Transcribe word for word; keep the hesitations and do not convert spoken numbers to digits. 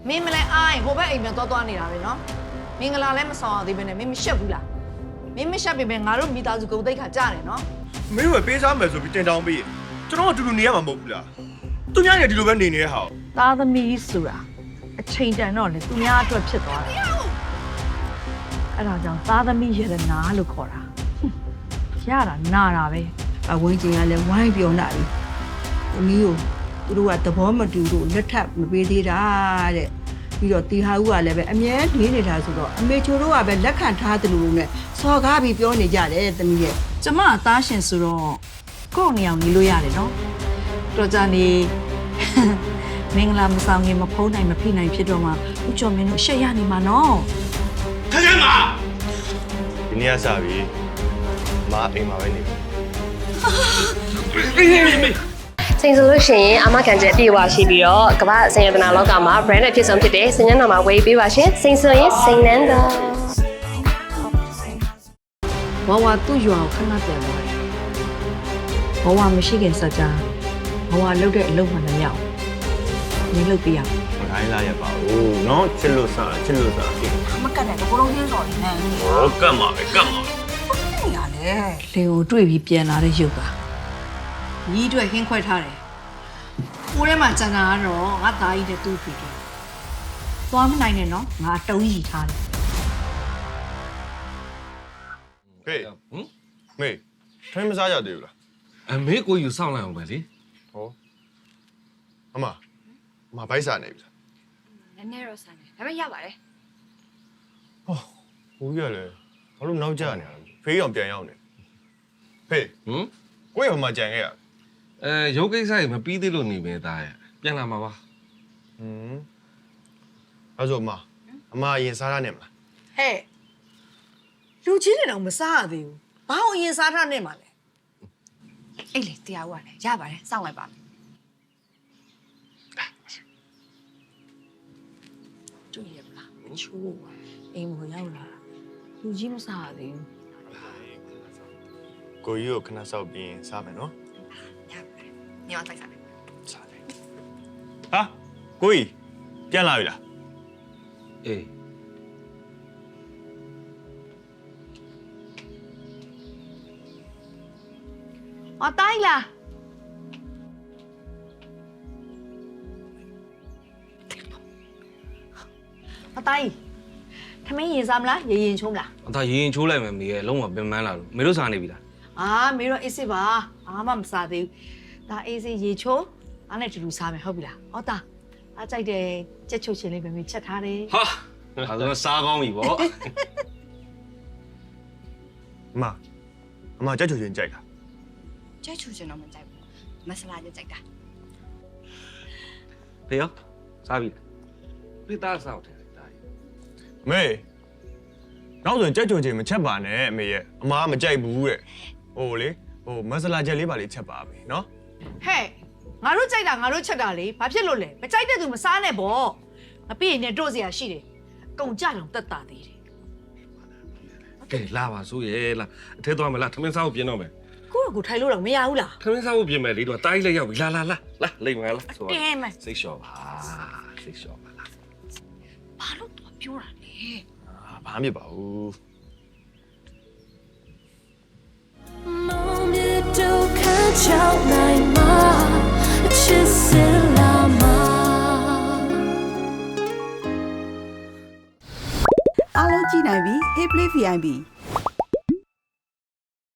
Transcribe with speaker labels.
Speaker 1: မင်းမလဲအားရင်ဟိုဘက်အိမ်ပြန်သွားသွားနေတာပဲနော်မင်္ဂလာလည်းမဆောင်ရသေးပဲနဲ့မင်းမရှက်ဘူးလားမင်းမရှက်ပြီပဲငါတို့မိသားစုကုန်သိက္ခာကြားတယ်နော်
Speaker 2: မင်းတို့ပေးစားမယ်ဆိုပြီးတင်တောင်းပေးကျွန်တော်အတူတူနေရမှာမဟုတ်ဘူးလားသူများနေဒီလိုပဲနေနေတဲ့ဟာ
Speaker 1: သားသမီးဆိုတာအချိန်တန်တော့လေသူများအတွက်ဖြစ်သွားတယ်အဲ့ဒါကြောင့်သားသမီးရတနာလို့ခေါ်တာရတာနာတာပဲ
Speaker 3: အဝင်းကျင်ကလည်းဝိုင်းပြောလာပြီသမီးကိုသူတို့ကသဘောမတူလို့လက်ထပ်မပေးသေးတာတဲ့ပြီးတော့တီဟာဦးကလည်းပဲအမြဲနေနေတာဆိုတော့အမေချိုတို့ကပဲလက်ခံထားတယ်လို့နဲ့စော်ကားပြီးပြောနေကြတယ်သမီးရဲ့
Speaker 1: ကျမအသားရှင်ဆိုတော့ကိုယ့်နေအောင်နေလို့ရတယ်နော်တော်ကြနေမင်္ဂလာမဆောင်ခင်မဖုံးနိုင်မဖိနိုင်ဖြစ်တော့မှဦးကျော်မင်းတို့ရှက်ရနေမှာနော်
Speaker 2: ခက်ခဲမှာဒီနေ့ကစပြီမအိမ်မှာပဲနေ
Speaker 4: စိန်ဆိုလို့ရှိရင်အမခံချက်ပြေဝရှိပြီးတော့ကမ္ဘာစိန်ရတနာလောကမှာ brand အဖြစ်ဆုံးဖြစ်တဲ့စိန်ညနာမှာဝေးပေးပါရှင်စိန်ဆိုရင်စိန်နန်းတော်
Speaker 1: ဝါဝါသူ့ရွာကိုခဏပြန်သွားတယ်ဘဝမရှိခင်စကြဘဝလုတ်တဲ့အလုပ်မှလည်းမရအောင်နေလုတ်ပြရအောင်
Speaker 2: မခိုင်းလာရပါဘူးเนาะချစ်လို့စားချစ်လို့စားပြီ
Speaker 3: မကတ်တယ်ဘလုံးချင်းစော်နေတယ်
Speaker 2: ဟောကတ်မှာပဲကတ်မှာ
Speaker 3: နေရလေ
Speaker 1: လေကိုတွေ့ပြီးပြန်လာတဲ့ရုပ်ကညီးအတွက်ဟင်းခွဲထားတယ်ကိုထဲမှာကျန်တာကတော့ငါသားကြီးတဲ့သူ့ဖေတယ်သွားမနိုင်နဲ့နော်ငါတုံးရီထားတယ်
Speaker 2: ဟေးဟမ်မေထိုင်းမစားရသေးဘူးလား
Speaker 5: အမေကိုယူဆောင်လိုက်အောင်ပဲလေ
Speaker 2: ဟောအမအမဘိုက်စားနေပြီ
Speaker 4: လားနည်းနည်းတော့စားနေဒါပေမဲ့ရပါတယ်
Speaker 2: ဟောဘူးရလေဘာလို့နောက်ကျနေရလဲဖေးအောင်ပြန်ရောက်နေဖေး
Speaker 5: ဟမ်
Speaker 2: ကိုယ့်ရောမကြံခဲ့ရ
Speaker 5: အဲရုပ်ကိစ္စကြီးမပြီးသေးလို့နေပဲသားရဲ့ပြန်လာမှာပါ
Speaker 2: ဟမ်အဲ့ဆိုအမအမအရင်စားရနေမလား
Speaker 1: ဟဲ့လူကြီးတွေတော့မစားရသေးဘူးဘာအောင်အရင်စားထားနေမှာလဲ
Speaker 4: အေးလေတရားဦးကလည်းရပါတယ်စောင့်လိုက်ပါမယ်
Speaker 1: တွေ့ရမလားမချိုးပါအိမ်ကိုရောက်လာလူကြီးမစားရသေးဘူး
Speaker 2: ကိုကြီးကိုခဏစောက်ပြီးစားမယ်နော်
Speaker 4: ရပါတယ်ညောင်းတိုက်စားမယ်
Speaker 2: စားတယ်ဟာကိုကြီးပြန်လာပြီလား
Speaker 5: အေး
Speaker 1: အတိုင်းလားအတိုင်းထမင်းရင်စားမလားရေရင်ချိုးမလား
Speaker 5: အသာရေရင်ချိုးလိုက်မယ်မေရဲ့လုံးဝပင်ပန်းလာလို့မေတို့စားနေပြီလား
Speaker 1: အာမေတော့အေးစစ်ပါအာမမစားသေးဘူးဒါအေးစစ်ရေချိုးအားနဲ့တူတူစားမယ်ဟုတ်ပြီလားဟောတာအားကြိုက်တယ်ကြက်ချုပ်ချင်လေးပဲမေချက်ထားတယ်
Speaker 5: ဟာဒါဆိုစားကောင်းပြီဗော
Speaker 2: အမအမကြက်ချူချင်းကြိုက်တာ
Speaker 4: ကြိုက်ချူချင်တော့မကြိုက်ဘူးမဆလာကြိုက်တာ
Speaker 5: ဖေရောစားပြီဖေသားစားတယ်ဒါကြီး
Speaker 2: မေနောက်ဆိုရင်ကြက်ချူချင်းမချက်ပါနဲ့အမေရဲ့အမကမကြိုက်ဘူးတဲ့ဟိုလေဟိုမဆလာချက်လေးပါလေးချက်ပါပဲနော်
Speaker 1: ဟဲ့ငါတို့ကြိုက်တာငါတို့ချက်တာလေဘာဖြစ်လို့လဲမကြိုက်တဲ့သူမစားနဲ့ပေါ့မပြီးရင်တို့စရာရှိတယ်ကုန်ကြတော့တက်တာသေးတယ်
Speaker 5: ကဲလာပါဆိုရဲလာအထဲသွားမလားထမင်းစားဖို့ပြင်တော့မယ်
Speaker 1: ကိုကကိုထိုင်လို့တော့မရဘူးလား
Speaker 5: ထမင်းစားဖို့ပြင်မယ်လေတော့တားကြီးလည်းရောက်ပြီလာလာလာလာလိမ့်မလားဆိုတော့
Speaker 1: တင်းမယ်
Speaker 5: စိတ်လျှော့ပါစိတ်လျှော့ပါလား
Speaker 1: ဘာလို့တော့ပြောတာလဲ
Speaker 2: အာဘာမှမဖြစ်ပါဘူး
Speaker 3: အားလုံးကြည့်နိုင်ပြီ Hey Play ဗီ အိုင် ပီ